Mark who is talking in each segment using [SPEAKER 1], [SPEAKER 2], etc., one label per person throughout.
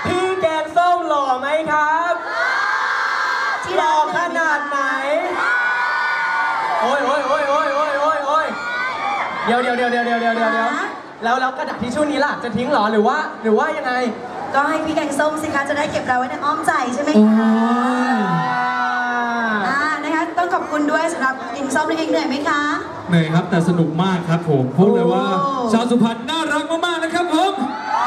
[SPEAKER 1] พี่แกงส้มหล่อไหมครับหล่อขนาดไหนโอ้ยเดี๋ยวแล้วกระดาษทิชชู่นี้ล่ะจะทิ้งหรอหรือว่ายังไง
[SPEAKER 2] ก็ให้พี่แกงส้มสิคะจะได้เก็บเราไว้ในอ้อมใจใช่ไหมคะนะคะต้องขอบคุณด้วยสำหรับแกงส้มเองเหนื่อยไหมคะ
[SPEAKER 3] เหนื่อยครับแต่สนุกมากครับผมพูดเลยว่าชาวสุพรรณน่ารักมากๆนะครับผม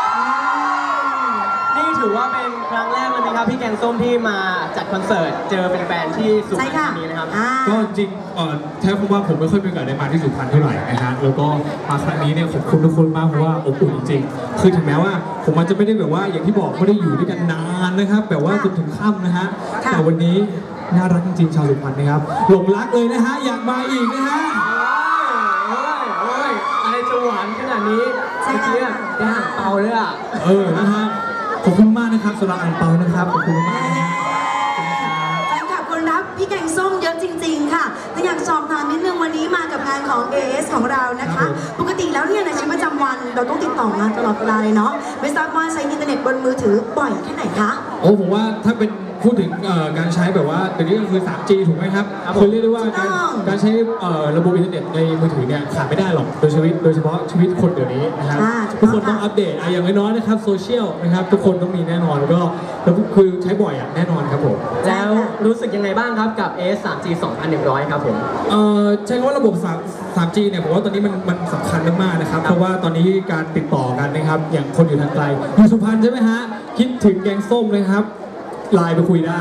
[SPEAKER 1] นี่ถือว่าเป็นครั้งแรกเลยไหมครับพี่แกงส้มที่มาจัดคอนเสิร์ตเจอเป็นแฟนที่สุพรรณธานีนะครับ
[SPEAKER 3] ก็จริงแท้ผมว่าผมไม่ค่อยมีโอกาสได้มาที่สุพรรณเท่าไหร่นะฮะแล้วก็มาครั้งนี้เนี่ยขอบคุณทุกคนมากเพราะว่าอบอุ่นจริงๆคือถึงแม้ว่าผมอาจจะไม่ได้แบบว่าอย่างที่บอกไม่ได้อยู่ด้วยกันนานนะครับแบบว่าจนถึงค่ำนะฮะแต่วันนี้น่ารักจริงๆชาวสุพรรณนะครับหลงรักเลยนะฮะอยากมาอีกนะฮะ
[SPEAKER 1] อะไรจะหวานขนาดนี้เมื่อกี้ได้อ่างเปาเลยอ่ะ
[SPEAKER 3] นะฮะขอบคุณมากนะครับสำหรับอ่างเปานะครับขอบคุณมาก
[SPEAKER 2] แฟนคลับคนรับพี่แกงส้มเยอะจริงๆค่ะแต่อยากสอบถามนิดนึงวันนี้มากับงานของ AS ของเรานะคะปกติแล้วเนี่ยในชีวิตประจำวันเราต้องติดต่องานตลอดเวลาเลยเนาะไม่ทราบว่าใช้อินเทอร์เน็ตบนมือถือบ่อยแค่ไหนคะ
[SPEAKER 3] ผมว่าถ้าเป็นพูดถึงการใช้แบบว่าตอนนี้ก็คือ 3G ถูกไหมครับคนเรียกได้ว่าการใช้ระบบอินเทอร์เน็ตในมือถือเนี่ยขาดไม่ได้หรอกโดยเฉพาะชีวิตคนเดี๋ยวนี้นะครับทุกคนต้องอัปเดตอย่างน้อยๆนะครับโซเชียลนะครับทุกคนต้องมีแน่นอนแล้วก็คือใช้บ่อยแน่นอนครับผม
[SPEAKER 1] แล้วรู้สึกยังไงบ้างครับกับ AS 3G 2100ครับผม
[SPEAKER 3] ใช้คำว่าระบบ 3G เนี่ยผมว่าตอนนี้มันสำคัญมากๆนะครับเพราะว่าตอนนี้การติดต่อกันนะครับอย่างคนอยู่ทางไกลอยู่สุพรรณใช่ไหมฮะคิดถึงแกงส้มเลยครับไลน์ไปคุยได้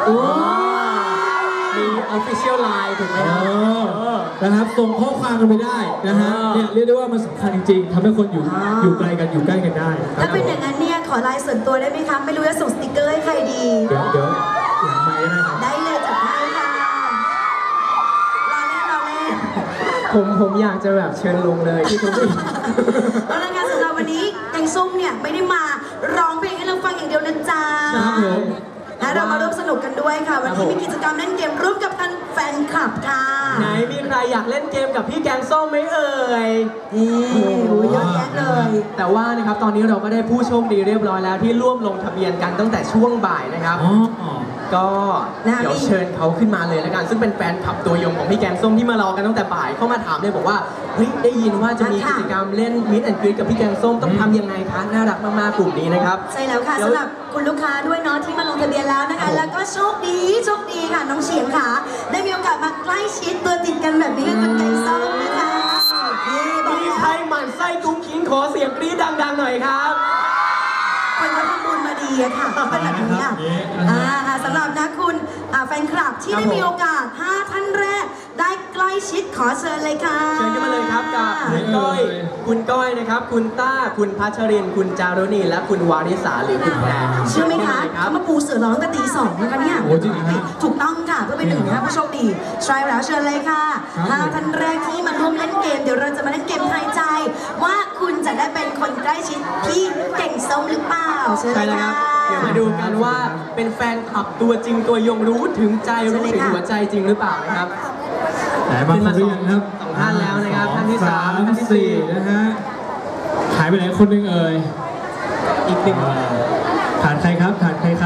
[SPEAKER 1] มี official line ถูกไหม
[SPEAKER 3] นะครับส่งข้อความกันไปได้นะฮะเนี่ยเรียกได้ว่ามันสำคัญจริงๆทำให้คนอยู่ไกลกันอยู่ใกล้กันได้
[SPEAKER 2] ถ้าเป็นอย่างนั้นเนี่ยขอไลน์ส่วนตัวได้ไหมคะไม่รู้จะส่งสติ๊กเกอร์ให้ใครดี
[SPEAKER 3] เดี๋ยวหลังไมค์ได้ครับ
[SPEAKER 2] ได้เลยจัดให้ค่ะรอเล่น
[SPEAKER 1] ผมอยากจะแบบเชิญลงเลยที่ทุกคน
[SPEAKER 2] แล้วงานสำหรับวันนี้แกงส้มเนี่ยไม่ได้มาร้องเพลงให้เราฟังอย่างเดียวนะจ๊ะเรามาร่วมสนุกกันด้วยค่ะวันนี้มีกิจกรรมเล่นเกมร่วมกับแฟนคลับค่ะ
[SPEAKER 1] ไหนมีใครอยากเล่นเกมกับพี่แกงส้มไหมเอ่ย
[SPEAKER 2] เยอะแยะเลย
[SPEAKER 1] แต่ว่านะครับตอนนี้เราก็ได้ผู้โชคดีเรียบร้อยแล้วที่ร่วมลงทะเบียนกันตั้งแต่ช่วงบ่ายนะครับก็เดี๋ยวเชิญเขาขึ้นมาเลยแล้วกันซึ่งเป็นแฟนคลับตัวยงของพี่แกงส้มที่มารอกันตั้งแต่บ่ายเข้ามาถามเลยบอกว่าเฮ้ยได้ยินว่าจะมีกิจกรรมเล่นมิดแอนด์กรีดกับพี่แกงส้มต้องทำยังไงคะน่ารักมากๆกลุ่มนี้นะครับ
[SPEAKER 2] ใช่แล้วค่ะสำหรับคุณลูกค้าด้วยเนาะที่มาลงทะเบียนแล้วนะคะแล้วก็โชคดีค่ะน้องเฉียงค่ะได้มีโอกาสมาใกล้ชิดตัวติดกันแบบนี้กับคุณแกงส้มนะคะ
[SPEAKER 1] มีใครหมั่นไส้กุ้งกิ้งขอเสียงกรี๊ดดังๆหน่อยครับ
[SPEAKER 2] คนเขาทำบุญมาดีอะค่ะเป็นแบบนี้สำหรับนะคุณแฟนคลับที่ได้มีโอกาส5ท่านแรกได้ใกล้ชิดขอเชิญเลยค่ะ
[SPEAKER 1] เชิญกันมาเลยครับกับคุณก้อยนะครับคุณต้าคุณพัชรินคุณจารุณีและคุณวาริสาหรือคุณแพร
[SPEAKER 2] เชื่อไหมคะเขามาปูเสือร้องกันตี 2นะคะเนี่ยถูกต้องค่ะเพื่อเป็น1นะผู้โชคดีใช่แล้วเชิญเลยค่ะ5ท่านแรกที่มาร่วมเล่นเกมเดี๋ยวเราจะมาเล่นเกมทายใจว่าคุณจะได้เป็นคนใกล้ชิดพี่เก่งส้มหรือเปล่า
[SPEAKER 1] ใช่แล้วครับเดี๋ยวมาดูกันว่าเป็นแฟนคลับตัวจริงตัวยงรู้ถึงใจรู้ถึงหัวใจจริงหรือเปล่านะครับ
[SPEAKER 3] ขึ้นมา2
[SPEAKER 1] ท่านแล้วนะครับท่านที่3ท่านที่4
[SPEAKER 3] นะฮะหายไปไหนคนนึงเอ่ย
[SPEAKER 1] อีกหนึ่ง
[SPEAKER 3] ขาดใครครับ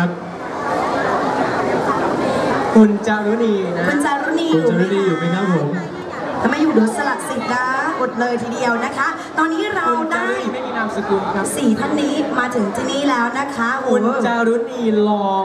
[SPEAKER 1] คุณจารุณีนะ
[SPEAKER 2] คุณจารุณี
[SPEAKER 3] อยู่ไหมครับผม
[SPEAKER 2] ถ้าไม่อยู่เดี๋ยวสลัดสิทธิ์นะอดเลยทีเดียวนะคะตอนนี้เราได้
[SPEAKER 1] ไม่มีนามสกุลครับ
[SPEAKER 2] 4ท่านนี้มาถึงที่นี่แล้วนะคะ
[SPEAKER 1] คุณจารุณีลอง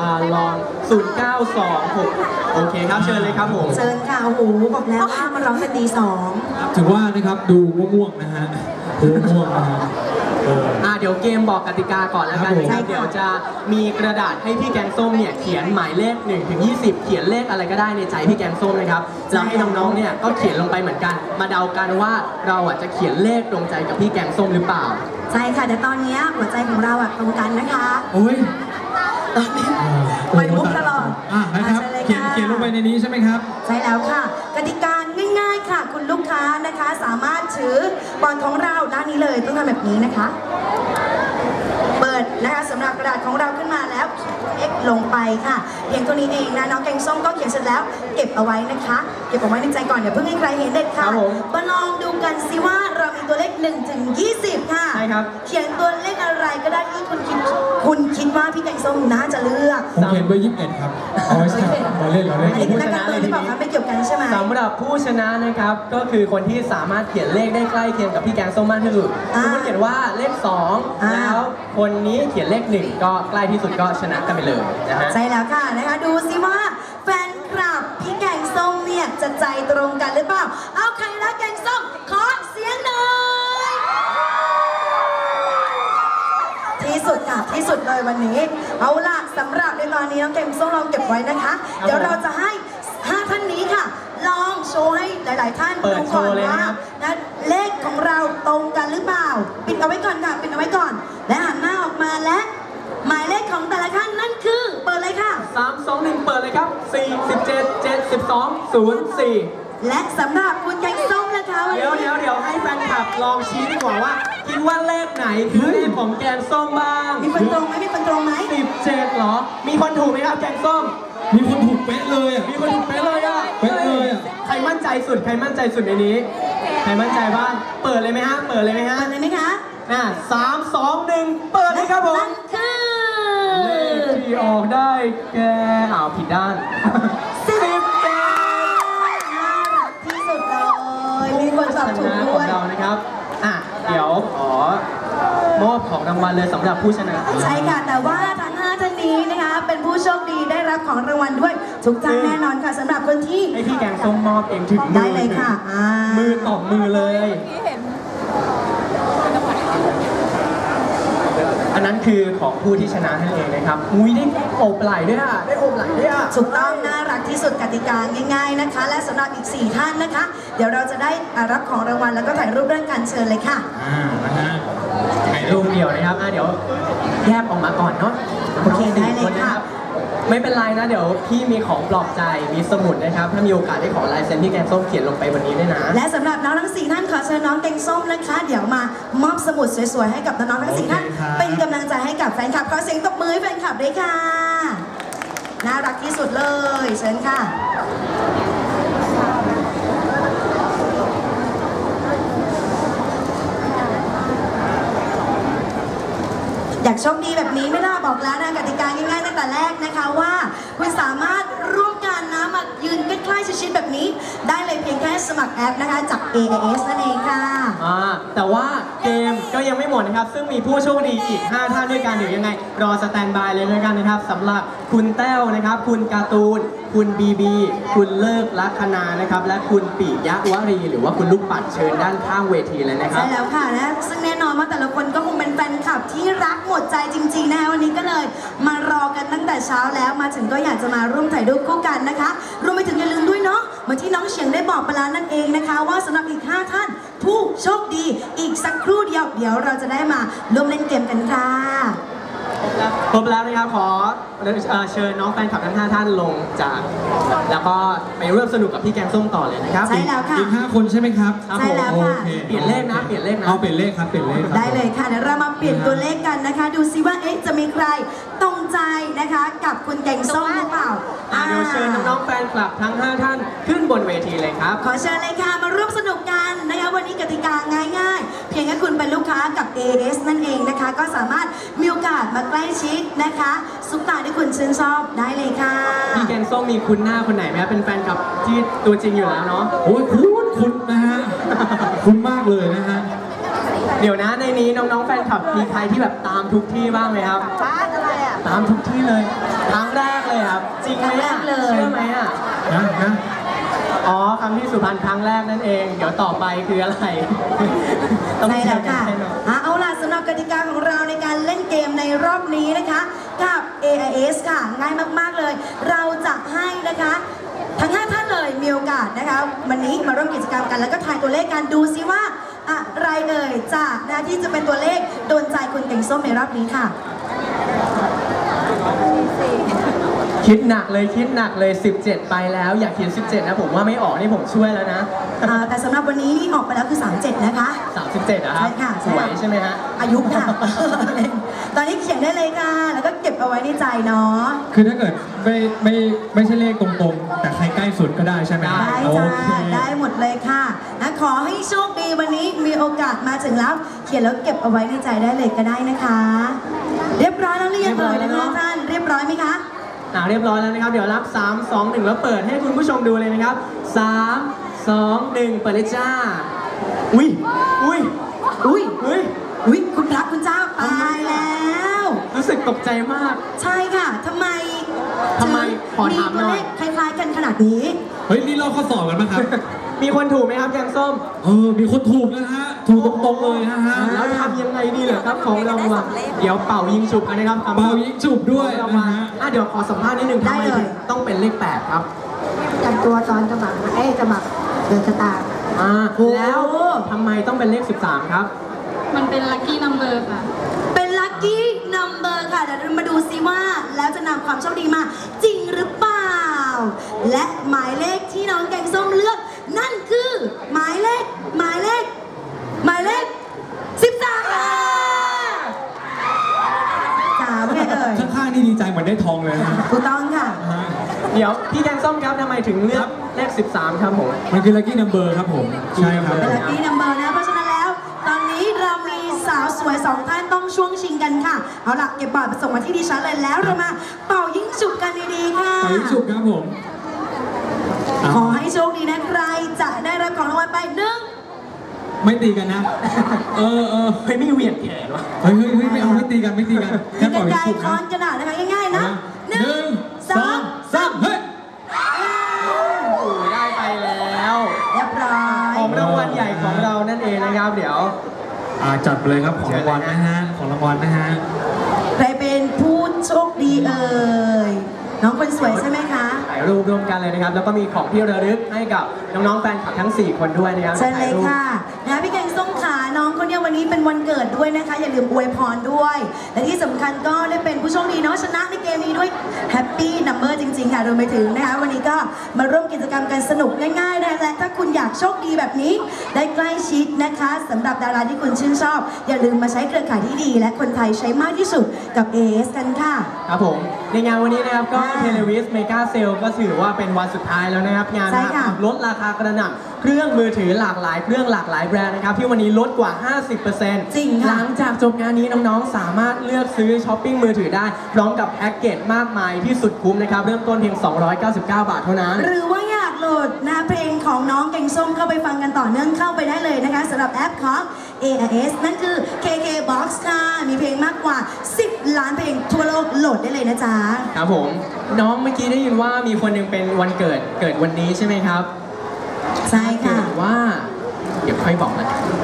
[SPEAKER 1] 0926โอเคครับเชิญเลยครับผม
[SPEAKER 2] เชิญค่ะโอ้โหบอกแล้วว่ามาร้องกันตี 2
[SPEAKER 3] ถือว่านะครับดูง่วงนะฮะดูง่วงนะฮะ
[SPEAKER 1] เดี๋ยวเกมบอกกติกาก่อนแล้วกันนะครับเดี๋ยวจะมีกระดาษให้พี่แกงส้มเนี่ยเขียนหมายเลข1 ถึง 20เขียนเลขอะไรก็ได้ในใจพี่แกงส้มนะครับแล้วให้น้องๆเนี่ยก็เขียนลงไปเหมือนกันมาเดากันว่าเราจะเขียนเลขตรงใจกับพี่แกงส้มหรือเปล่า
[SPEAKER 2] ใช่ค่ะแต่ตอนนี้หัวใจของเราตรงกันนะคะ
[SPEAKER 3] โอ้ย
[SPEAKER 2] ตอนนี้ไปมุกตลอด
[SPEAKER 3] นะครับเขียนลงไปในนี้ใช่ไหมครับ
[SPEAKER 2] ใช่แล้วค่ะกติกาง่ายๆค่ะคุณลูกค้านะคะสามารถถือบอลของเราด้านนี้เลยต้องทำแบบนี้นะคะเปิดนะคะสำหรับกระดาษของเราขึ้นมาแล้วX ลงไปค่ะเพียงตัวนี้เองนะน้องแกงส้มก็เขียนเสร็จแล้วเก็บเอาไว้นะคะเก็บเอาไว้ในใจก่อนอย่าเพิ่งให้ใครเห็นเด็ดค่ะมาลองดูกันสิว่าเรามีตัวเลข1 ถึง 20ค่ะ
[SPEAKER 1] ใช่ครับ
[SPEAKER 2] เขียนตัวเลขอะไรก็ได้ที่คุณคิพี่แกงส้มน่าจะเลือก
[SPEAKER 3] ผมเขียนไว้21 ครับเอาไว้ใช่เราเล่นเราเล่น
[SPEAKER 2] อันนี้คือนักการเมืองที่บอกว่าไม่เกี่ยวกันใช่ไหม
[SPEAKER 1] สำหรับผู้ชนะนะครับก็คือคนที่สามารถเขียนเลขได้ใกล้เคียงกับพี่แกงส้มมากที่สุดสมมติเขียนว่าเลข2แล้วคนนี้เขียนเลข1ก็ใกล้ที่สุดก็ชนะกันไปเลยนะฮะ
[SPEAKER 2] ใช่แล้วค่ะนะคะดูสิว่าแฟนคลับพี่แกงส้มเนี่ยจะใจตรงกันหรือเปล่าเอาใครรักแกงส้มขอเสียงหน่อยที่สุดค่ะที่สุดเลยวันนี้เอาล่ะสำหรับในตอนนี้น้องแกงส้มลองเก็บไว้นะคะเดี๋ยวเราจะให้5ท่านนี้ค่ะลองโชว์ให้หลาย ๆ ท่าน
[SPEAKER 1] เปิด
[SPEAKER 2] ดูก่อน
[SPEAKER 1] โชว์เลย
[SPEAKER 2] ว่า
[SPEAKER 1] นะครับ
[SPEAKER 2] นะเลขของเราตรงกันหรือเปล่าปิดเอาไว้ก่อนค่ะปิดเอาไว้ก่อน และหันหน้าออกมาและหมายเลขของแต่ละท่านนั่นคือเปิดเลยค่ะ
[SPEAKER 1] 3 2 1 เปิดเลยครับ4 17 72 04
[SPEAKER 2] และสำหรับคุณแกงส้มนะคะวัน
[SPEAKER 1] เดี๋ยว
[SPEAKER 2] นี้
[SPEAKER 1] ให้แฟนคลับลองชี้ดีกว่าว่าคิดว่าเลขไหนคือเลขของแกงส้มบ้าง
[SPEAKER 2] มีคนตรงไหมมีคนตรงไหม
[SPEAKER 1] 17เหรอมีคนถูกไหมครับแกงส้ม
[SPEAKER 3] มีคนถูกเป๊ะเลยอ่ะ
[SPEAKER 1] มีคนถูกเป๊ะเลยอ่ะ
[SPEAKER 3] เป๊ะเลยอ่ะ
[SPEAKER 1] ใครมั่นใจสุดใครมั่นใจสุดในนี้ใครมั่นใจบ้างเปิดเลยไหมฮะเปิดเลยไหมฮะ
[SPEAKER 2] เปิดเลยไหมคะ
[SPEAKER 1] 3 2 1 เปิดเลยครับผม
[SPEAKER 2] นั่นคือ
[SPEAKER 1] เลขที่ออกได้แกผิดด้าน 17
[SPEAKER 2] น่ารักที่สุดเลยมีคนตอบถูก
[SPEAKER 1] ข
[SPEAKER 2] ด้
[SPEAKER 1] อ
[SPEAKER 2] ว
[SPEAKER 1] ง
[SPEAKER 2] ย
[SPEAKER 1] เรานะครับเดี๋ยวขอมอบของรางวัลเลยสำหรับผู้ชนะ
[SPEAKER 2] ใช่ค่ะแต่ว่าทั้ง5ท่านนี้นะคะเป็นผู้โชคดีได้รับของรางวัลด้วยทุกท่านแน่นอนค่ะสำหรับคนที่
[SPEAKER 1] ให้พี่แกงส้มมอบเองถึงมือ
[SPEAKER 2] ได้เลยค่ะ
[SPEAKER 1] มือต่อมือเลย อันนั้นคือของผู้ที่ชนะนั่นเองนะครับอุ้ยได้โอบไหล่ด้วยอ่ะได้โอบไหล่ด้วยอ่ะ
[SPEAKER 2] ถูกต้องน่ารักที่สุดกติกาง่าย ๆนะคะ และสำหรับอีก4ท่านนะคะ เดี๋ยวเราจะได้รับของรางวัลแล้วก็ถ่ายรูปเรื่องการเชิญเลยค่ะ
[SPEAKER 3] นะฮะ
[SPEAKER 1] ถ่ายรูปเดียวนะครับเดี๋ยวแยกออกมาก่อนเนาะ
[SPEAKER 2] โอเคได้เลยค่ะ
[SPEAKER 1] ไม่เป็นไรนะเดี๋ยวพี่มีของปลอบใจมีสมุดนะครับถ้ามีโอกาสได้ขอลายเซ็นพี่แกงส้มเขียนลงไปวันนี้ด้วยนะ
[SPEAKER 2] และสำหรับน้องทั้ง4ท่านขอเชิญน้องแกงส้มนะคะ เดี๋ยวมามอบสมุดสวยๆให้กับน้องๆทั้ง4ท่าน
[SPEAKER 3] โอเคครับ
[SPEAKER 2] เป็นกำลังใจให้กับแฟนคลับขอเสียงตบมือให้แฟนคลับด้วยค่ะน่ารักที่สุดเลยเชิญค่ะอยากโชคดีแบบนี้ไม่น่าบอกแล้วนะกติกาง่ายๆตั้งแต่แรกนะคะว่าคุณสามารถร่วมกันนะมายืนใกล้ๆชิดๆแบบนี้ ได้เลยเพียงแค่สมัครแอปนะคะจาก AIS นั่นเองค่ะ
[SPEAKER 1] แต่ว่าเกมก็ยังไม่หมดนะครับซึ่งมีผู้โชคดีอีก5ท่านด้วยกันเดี๋ยวยังไงรอสแตนบายเลยด้วยกันนะครับสำหรับคุณแต้วนะครับคุณการ์ตูนคุณบีบีคุณเลิกลัคนานะครับและคุณปิยะวรีหรือว่าคุณลูกปัดเชิญด้านข้างเวทีเลยนะครับ
[SPEAKER 2] ใช่แล้วค่ะนะซึ่งแน่นอนว่าแต่ละคนก็คงเป็นแฟนคลับที่รักหมดใจจริงๆนะคะวันนี้ก็เลยมารอกันตั้งแต่เช้าแล้วมาถึงก็อยากจะมาร่วมถ่ายรูปคู่กันนะคะรวมไปถึงอย่าลืมด้วยเนาะเหมือนที่น้องเฉียงได้บอกไปแล้วนั่นเองนะคะว่าสำหรับอีก5ท่านผู้โชคดีอีกสักครู่เดียวเดี๋ยวเราจะได้มาร่วมเล่นเกมกันค่ะ
[SPEAKER 1] ครบแล้วนะครับขอเชิญน้องแฟนคลับทั้ง5ท่านลงจากแล้วก็ไปร่วมสนุกกับพี่แกงส้มต่อเลยนะครับ
[SPEAKER 2] ใช่แล้วค่ะ
[SPEAKER 3] อีก5 คนใช่ไหมครับ
[SPEAKER 2] ใช่แล้วค่ะ
[SPEAKER 3] โอเค
[SPEAKER 1] เปลี่ยนเลขนะเปลี่ยนเลขนะ
[SPEAKER 3] เอาเปลี่ยนเลขครับเปลี่ยนเลขครับ
[SPEAKER 2] ได้เลยค่ะเดี๋ยวเรามาเปลี่ยนตัวเลขกันนะคะ ดูซิว่าจะมีใครตรงใจนะคะกับคุณแกงส้มหรือเปล่า
[SPEAKER 1] เดี๋ยวเชิญน้องๆแฟนคลับทั้ง5ท่านขึ้นบนเวทีเลยครับ
[SPEAKER 2] ขอเชิญเลยค่ะมาร่วมสนุกกันนะคะวันนี้กติกาง่ายๆ เพียงแค่คุณเป็นลูกค้ากับ AS นั่นเองนะคะ ก็สามารถมีโอกาสมาใกล้ชิดนะคะซุปตาที่คุณชื่นชอบได้เลยค่ะ
[SPEAKER 1] พี่แกงส้มมีคุณหน้าคนไหนไหมครับเป็นแฟนคลับที่ตัวจริงอยู่แล้วเนาะ
[SPEAKER 3] โอ้ยคุณนะฮะ คุณมากเลยนะฮะ
[SPEAKER 1] เดี๋ยวนะในนี้น้องๆแฟนคลับมีใครที่แบบตามทุกที่บ้างไหมครับ
[SPEAKER 2] บ้านอะไรอ่ะ
[SPEAKER 1] ตามทุกที่เลยครั้งแรกเลยครับจริงไหม
[SPEAKER 2] ครั้งแร
[SPEAKER 1] อ่ะ
[SPEAKER 2] กเลย
[SPEAKER 1] เชื่อไหมอ่ะ
[SPEAKER 3] นะ
[SPEAKER 1] อ๋อคำที่สุพรรณครั้งแรกนั่นเอง เดี๋ยวต่อไปคืออะไร ต้อง
[SPEAKER 2] ใช่แล้วค่ะ
[SPEAKER 1] แชร์กัน
[SPEAKER 2] เอาล่ะสำหรับกติกาของเราในการเล่นเกมในรอบนี้นะคะกับ AIS ค่ะง่ายมากๆเลย เราจะให้นะคะทั้ง5ท่านเลยมีโอกาสนะคะวันนี้มาร่วมกิจกรรมกันแล้วก็ทายตัวเลขกันดูซิว่าอะไรเอ่ยจะนะที่จะเป็นตัวเลขโดนใจคุณแกงส้มในรอบนี้ค่ะ
[SPEAKER 1] คิดหนักเลย17 ไปแล้วอยากเขียน17นะผมว่าไม่ออกนี่ผมช่วยแล้วนะ
[SPEAKER 2] แต่สำหรับวันนี้นี่ออกไปแล้วคือ37นะคะ
[SPEAKER 1] 37อะครับ
[SPEAKER 2] ใช่ค่ะ
[SPEAKER 1] สวยใช่ไหมฮะ
[SPEAKER 2] อายุค่ะ ตอนนี้เขียนได้เลยค่ะ แล้วก็เก็บเอาไว้ในใจเนาะ
[SPEAKER 3] คือถ้าเกิดไม่ใช่เลขตรงๆ แต่ใครใกล้สุดก็ได้ใช่ไหมครับ
[SPEAKER 2] ได้
[SPEAKER 3] โอ
[SPEAKER 2] จ้า
[SPEAKER 3] เค
[SPEAKER 2] ได้หมดเลยค่ะนะขอให้โชคดีวันนี้มีโอกาสมาถึงแล้ว เขียนแล้วเก็บเอาไว้ในใจได้เลยก็ได้นะคะเรียบร้อยแล้วหรือยังเอ่ยนะคะท่านเรียบร้อยไหมคะ
[SPEAKER 1] เรียบร้อยแล้วนะครับเดี๋ยวรับ3 2 1แล้วเปิดให้คุณผู้ชมดูเลยนะครับ3 2 1เปิดเลยจ้าอุ้ยอุ้ย
[SPEAKER 2] อุ้ย
[SPEAKER 1] เฮ้ย
[SPEAKER 2] อุ้ยคุณพระคุณเจ้าตายแล้ว
[SPEAKER 1] รู้สึกตกใจมาก
[SPEAKER 2] ใช่ค่ะทำไม
[SPEAKER 1] ขอถามหน่อย
[SPEAKER 2] ตัวเลขคล้ายๆกันขนาดนี้
[SPEAKER 3] เฮ้ยนี่เราข้อสอบกันไหมครับ
[SPEAKER 1] มีคนถูกไหมครับแกงส้ม
[SPEAKER 3] มีคนถูกนะฮะถูกตรงๆเลยนะฮะ
[SPEAKER 1] แล้วทำยังไงดีเหรอครับของรางวัลเดี๋ยวเป่ายิงฉุบกันนะครับ
[SPEAKER 3] เป่ายิงฉุบด้วยนะฮะ
[SPEAKER 1] เดี๋ยวขอสัมภาษณ์นิดนึงทำไมถึงต้องเป็นเลข8ครับ
[SPEAKER 4] กันตัวตอนสมัครสมัครเดินชะตา
[SPEAKER 1] แล้วทำไมต้องเป็นเลข13ครับ
[SPEAKER 4] มันเป็นลัคกี้นัมเบอร์ค่ะ
[SPEAKER 2] เป็นลัคกี้นัมเบอร์ค่ะเดี๋ยวเรามาดูซิว่าแล้วจะนำความโชคดีมาจริงหรือเปล่า และหมายเลขที่น้องแกงส้มเลือก นั่นคือหมายเลข13ค่ะถามไงเอ่ย
[SPEAKER 3] ข้างๆนี่ดีใจเหมือนได้ทองเลยนะฮะ
[SPEAKER 2] ถูกต้องค่ะ
[SPEAKER 1] เดี๋ยวพี่แกงส้มครับทำไมถึงเลือกเลข13ครับผม
[SPEAKER 3] มันคือ lucky number ครับผมใช่ครับ
[SPEAKER 2] เป็นลัคกี้นัมเบอร์นะเพราะฉะนั้นแล้ว ตอนนี้เรามีสาวสวย2ท่านต้องช่วงชิงกันค่ะ เอาล่ะเก็บบอร์ดมาส่งมาที่ดิฉันเลยแล้วเรามาเป่ายิ่งฉุบกันดีๆค่ะ
[SPEAKER 3] ไปยิงฉุบครับผม
[SPEAKER 2] ขอให้โชคดีนะใครจะได้รับของรางวัลไปหนึ่ง
[SPEAKER 3] ไม่ตีกันนะ
[SPEAKER 1] เฮ้ยไม่เหวี่ยงแขนวะ
[SPEAKER 3] เฮ้ยไม่เอาไม่ตีกัน
[SPEAKER 2] มี
[SPEAKER 3] แค่
[SPEAKER 2] ก
[SPEAKER 3] ปล่
[SPEAKER 2] ระ
[SPEAKER 3] อย
[SPEAKER 2] ดาษ
[SPEAKER 3] ฉุบ
[SPEAKER 2] ค้อ
[SPEAKER 3] นะ
[SPEAKER 2] นกระดาษนะคะง่ายๆนะหนึ่งสอง
[SPEAKER 3] 3 เฮ้ย
[SPEAKER 1] โอ้ยได้ไปแล้ว
[SPEAKER 2] เรียบร้อย
[SPEAKER 1] ของรางวัลใหญ่ของเรานั่นเองนะครับ เดี๋ยว
[SPEAKER 3] จัดไปเลยครับของรางวัลนะฮะของรางวัลนะฮะ
[SPEAKER 2] ใครเป็นผู้โชคดีเอ่ยน้องคนสวยใช่ไหมคะ
[SPEAKER 1] ถ่ายรูปร่วมกันเลยนะครับ แล้วก็มีของที่ระลึกให้กับน้องๆแฟนคลับทั้ง 4 คนด้วยนะครับ
[SPEAKER 2] เชิญเลย
[SPEAKER 1] ถ่ายรูป
[SPEAKER 2] ค่ะนะพี่แกงส้มขาน้องคนเนี้ยวันนี้เป็นวันเกิดด้วยนะคะ อย่าลืมอวยพรด้วย และที่สำคัญก็ได้เป็นผู้โชคดีเนาะชนะในเกมนี้ด้วยแฮปปี้นัมเบอร์จริงๆค่ะรวมไปถึงนะคะวันนี้ก็มาร่วมกิจกรรมกันสนุกง่ายๆนะและถ้าคุณอยากโชคดีแบบนี้ ได้ใกล้ชิดนะคะสำหรับดาราที่คุณชื่นชอบ อย่าลืมมาใช้เครือข่ายที่ดี และคนไทยใช้มากที่สุดกับ AS กันค่ะ
[SPEAKER 1] ครับผมในงานวันนี้นะครับก็เทเลวิสเมกาเซลก็ถือว่าเป็นวันสุดท้ายแล้วนะครับ งาน
[SPEAKER 2] ใช่ค่ะ
[SPEAKER 1] ลดราคากระหน่ำเครื่องมือถือหลากหลายเครื่องหลากหลายแบรนด์นะครับที่วันนี้ลดกว่า 50%
[SPEAKER 2] จริงค่ะ
[SPEAKER 1] หลังจากจบงานนี้น้องๆ สามารถเลือกซื้อช้อปปิ้งมือถือได้ พร้อมกับแพ็กเกจมากมายที่สุดคุ้มนะครับเริ่มต้นเพียง 299 บาทเท่านั้น
[SPEAKER 2] หรือว่าอยากโหลดนะเพลงของน้องแกงส้มเข้าไปฟังกันต่อเนื่องเข้าไปได้เลยนะคะสำหรับแอปของ AIS นั่นคือ KK Box ค่ะมีเพลงมากกว่า 10 ล้านเพลงทั่วโลกโหลดได้เลยนะจ๊ะ
[SPEAKER 1] ครับผมน้องเมื่อกี้ได้ยินว่ามีคนหนึงเป็นวันเกิดวันนี้ใช่ไหมครับ
[SPEAKER 2] ใช่ค่ะ
[SPEAKER 1] เกิดว่าเดี๋ยวค่อยบอกนะ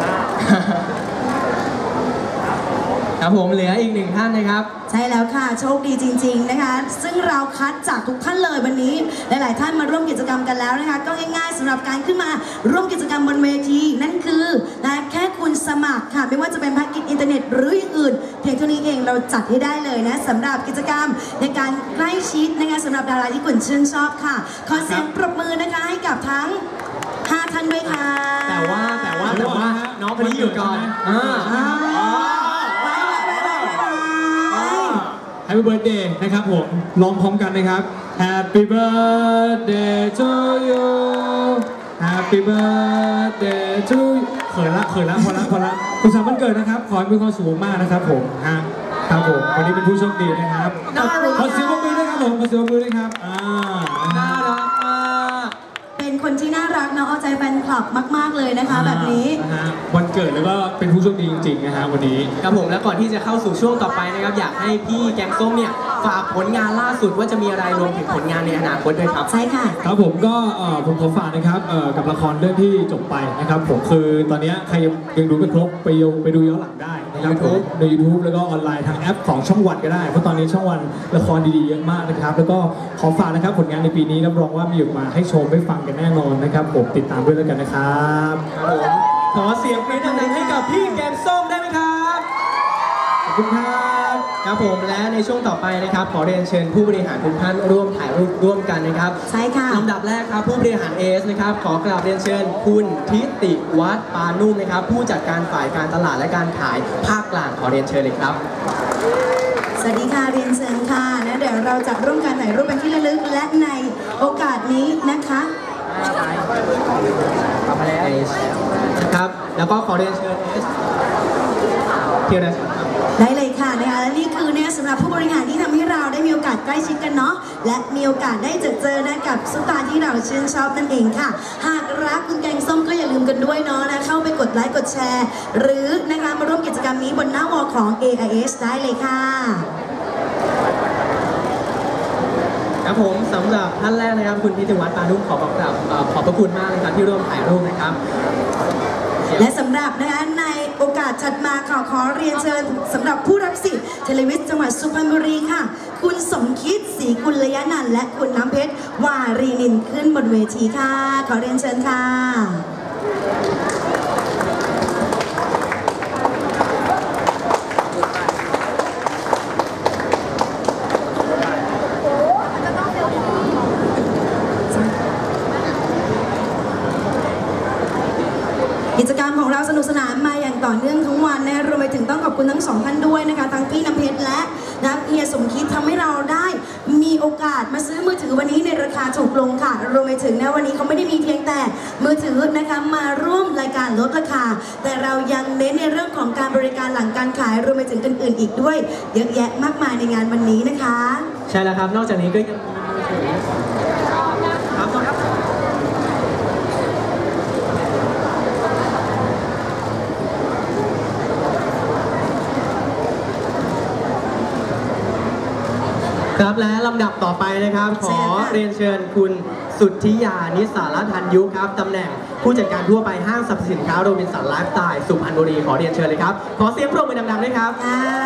[SPEAKER 1] ครับผมเหลืออีกหนึ่งท่านนะครับ
[SPEAKER 2] ใช่แล้วค่ะโชคดีจริงๆนะคะ ซึ่งเราคัดจากทุกท่านเลยวันนี้หลายๆท่านมาร่วมกิจกรรมกันแล้วนะคะก็ง่ายๆสำหรับการขึ้นมาร่วมกิจกรรมบนเวทีนั่นคือนะแค่คุณสมัครค่ะไม่ว่าจะเป็นแพ็กเกจอินเทอร์เน็ตหรืออย่างอื่นเพียงเท่านี้เองเราจัดให้ได้เลยนะสำหรับกิจกรรมในการใกล้ชิดนะคะสำหรับดาราที่คุณชื่นชอบค่ะขอเสียงปรบมือนะคะให้กับทั้ง5ท่านด้วยค่ะ
[SPEAKER 1] แต่ว่าน้องคนนี้อยู่ก่อน
[SPEAKER 3] Happy Birthday นะครับผมร้องพร้อมกันนะครับ Happy Birthday to you Happy Birthday to you เขินละพอละคุณสามวันเกิดนะครับขอให้มีความสุขมากนะครับผมครับผมวันนี้เป็นผู้โชคดีนะครับขอเสียงปรบมือด้วยครับผมขอเสียงปรบมือด้วยครับ
[SPEAKER 1] น่ารักมาก
[SPEAKER 2] เป็นคนที่น่ารักเนาะเอาใจแฟนคลับมากๆเลยนะคะแบบนี้
[SPEAKER 3] วันเกิดแล้วก็เป็นผู้โชคดีจริงๆนะฮะวันนี้
[SPEAKER 1] ครับผมแล้วก่อนที่จะเข้าสู่ช่วงต่อไปนะครับอยากให้พี่แกงส้มเนี่ยฝากผลงานล่าสุดว่าจะมีอะไรรวมถึงผลงานในอนาคตด้วยครับ
[SPEAKER 2] ใช่ค่ะ
[SPEAKER 3] ครับผมก็ผมขอฝากนะครับกับละครเรื่องที่จบไปนะครับผมคือตอนนี้ใครยังดูไม่ครบไปดูย้อนหลังได้นะครับผมใน YouTube แล้วก็ออนไลน์ทางแอปของช่องวันก็ได้เพราะตอนนี้ช่องวันละครดีๆเยอะมากนะครับแล้วก็ขอฝากนะครับผลงานในปีนี้รับรองว่ามีออกมาให้ชมได้ฟังกันแน่นอนนะครับผมติดตามด้วยแล้วกันนะครับ
[SPEAKER 1] ครับผมขอเสียงปรบมือดังๆให้กับพี่แกงส้มได้ไหมครับ
[SPEAKER 3] ขอบคุณครับ
[SPEAKER 1] ครับผมและในช่วงต่อไปนะครับขอเรียนเชิญผู้บริหารทุกท่านร่วมถ่ายรูปร่วมกันนะครับ
[SPEAKER 2] ใช่ค่ะ
[SPEAKER 1] ลำดับแรกครับผู้บริหารเอสนะครับขอกราบเรียนเชิญคุณทิติวัฒน์ปานุ่มนะครับผู้จัดการฝ่ายการตลาดและการขายภาคกลางขอเรียนเชิญเลยครับ
[SPEAKER 2] สวัสดีค่ะเรียนเชิญค่ะนะเดี๋ยวเราจะร่วมกันถ่ายรูปเป็นที่ระลึกและในโอกาสนี้นะคะ
[SPEAKER 1] นะครับแล้วก็ขอเรียนเชิญเอสเพียร์นะครับ
[SPEAKER 2] ได้เลยค่ะนะคะและนี่คือเนี่ยสำหรับผู้บริหารที่ทำให้เราได้มีโอกาสใกล้ชิดกันเนาะและมีโอกาสได้เจอนะกับซุปตาที่เราชื่นชอบนั่นเองค่ะหากรักคุณแกงส้มก็อย่าลืมกันด้วยเนาะนะเข้าไปกดไลค์กดแชร์ หรือนะคะมาร่วมกิจกรรมนี้บนหน้าวอลของ AIS ได้เลยค่ะ
[SPEAKER 1] ครับผมสำหรับท่านแรกนะครับคุณพิติวัฒน์ปานุ่มขอบพระคุณมากเลยครับที่ร่วมถ่ายรูปนะครับ
[SPEAKER 2] และสำหรับนะคะในโอกาสถัดมาขอเรียนเชิญสำหรับผู้รับสิทธิ์เทเลวิสจังหวัดสุพรรณบุรีค่ะคุณสมคิดศรีกุลยนันท์และคุณน้ำเพชรวารีนินขึ้นบนเวทีค่ะขอเรียนเชิญค่ะกิจกรรมของเราสนุกสนานมาอย่างต่อเนื่องทั้งวันนะรวมไปถึงต้องขอบคุณทั้งสองท่านด้วยนะคะทั้งพี่น้ำเพชรและเฮียสมคิดทำให้เราได้มีโอกาสมาซื้อมือถือวันนี้ในราคาถูกลงค่ะรวมไปถึงนะวันนี้เขาไม่ได้มีเพียงแต่มือถือนะคะมาร่วมรายการลดราคาแต่เรายังเน้นในเรื่องของการบริการหลังการขายรวมไปถึงอื่นๆอีกด้วยเยอะแยะมากมายในงานวันนี้นะคะ
[SPEAKER 1] ใช่แล้วครับนอกจากนี้ก็ยังมีครับและลำดับต่อไปนะครับขอเรียนเชิญคุณสุทธิยานิสารทันยุครับตำแหน่งผู้จัดการทั่วไปห้างสรรพสินค้าโรบินสันไลฟ์สไตล์สุพรรณบุรีขอเรียนเชิญเลยครับขอเสียงปรบมือดังๆด้วยครับ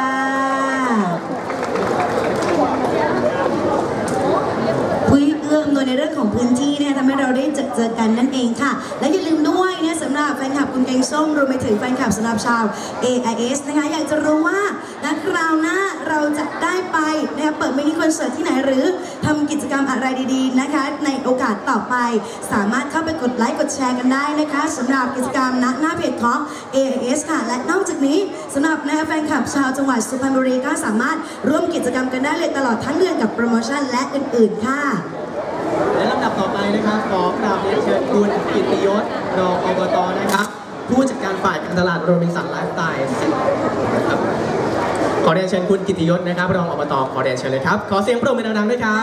[SPEAKER 2] เอื้อมโดยในเรื่องของพื้นที่เนี่ยทำให้เราได้เจอกันนั่นเองค่ะและอย่าลืมด้วยเนี่ยสำหรับแฟนคลับคุณแกงส้มรวมไปถึงแฟนคลับสำหรับชาว AIS นะคะอยากจะรู้ว่าคราวหน้าเราจะได้ไปนะคะเปิดมินิคอนเสิร์ตที่ไหนหรือทำกิจกรรมอะไรดีๆนะคะในโอกาสต่อไปสามารถเข้าไปกดไลค์กดแชร์กันได้นะคะสำหรับกิจกรรมหน้าเพจของ AIS ค่ะและนอกจากนี้สำหรับแฟนคลับชาวจังหวัดสุพรรณบุรีก็สามารถร่วมกิจกรรมกันได้เลยตลอดทั้งเดือนกับโปรโมชั่นและอื่นๆค่ะ
[SPEAKER 1] และลำดับต่อไปนะครับขอกราบเรียนเชิญคุณกิตติยศรองอบต.นะครับผู้จัดการฝ่ายการตลาดโรบินสันไลฟ์สไตล์ครับขอเรียนเชิญคุณกิตติยศนะครับรองอบต.ขอเรียนเชิญเลยครับขอเสียงปรบมือดังๆด้วยครับ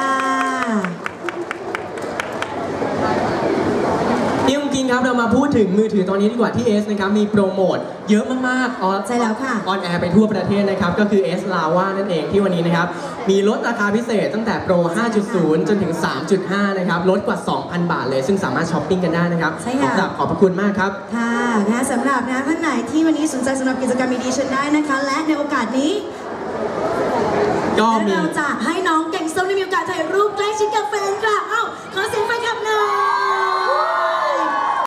[SPEAKER 1] พี่องกินครับเรามาพูดถึงมือถือตอนนี้ดีกว่าที่ S นะครับมีโปรโมทเยอะมากๆ
[SPEAKER 2] ใช่แล้วค่ะ
[SPEAKER 1] ออนแอร์ไปทั่วประเทศนะครับก็คือ S Lava นั่นเองที่วันนี้นะครับมีลดราคาพิเศษตั้งแต่โปร 5.0 จนถึง 3.5 นะครับลดกว่า 2,000 บาทเลยซึ่งสามารถช้อปปิ้งกันได้นะครับ
[SPEAKER 2] ใช่ค่ะ
[SPEAKER 1] ขอบพระคุณมากครับ
[SPEAKER 2] ค่ะสำหรับท่านไหนที่วันนี้สนใจสำหรับกิจกรรมดีๆเชิญได้นะคะและในโอกาสนี้เราจะให้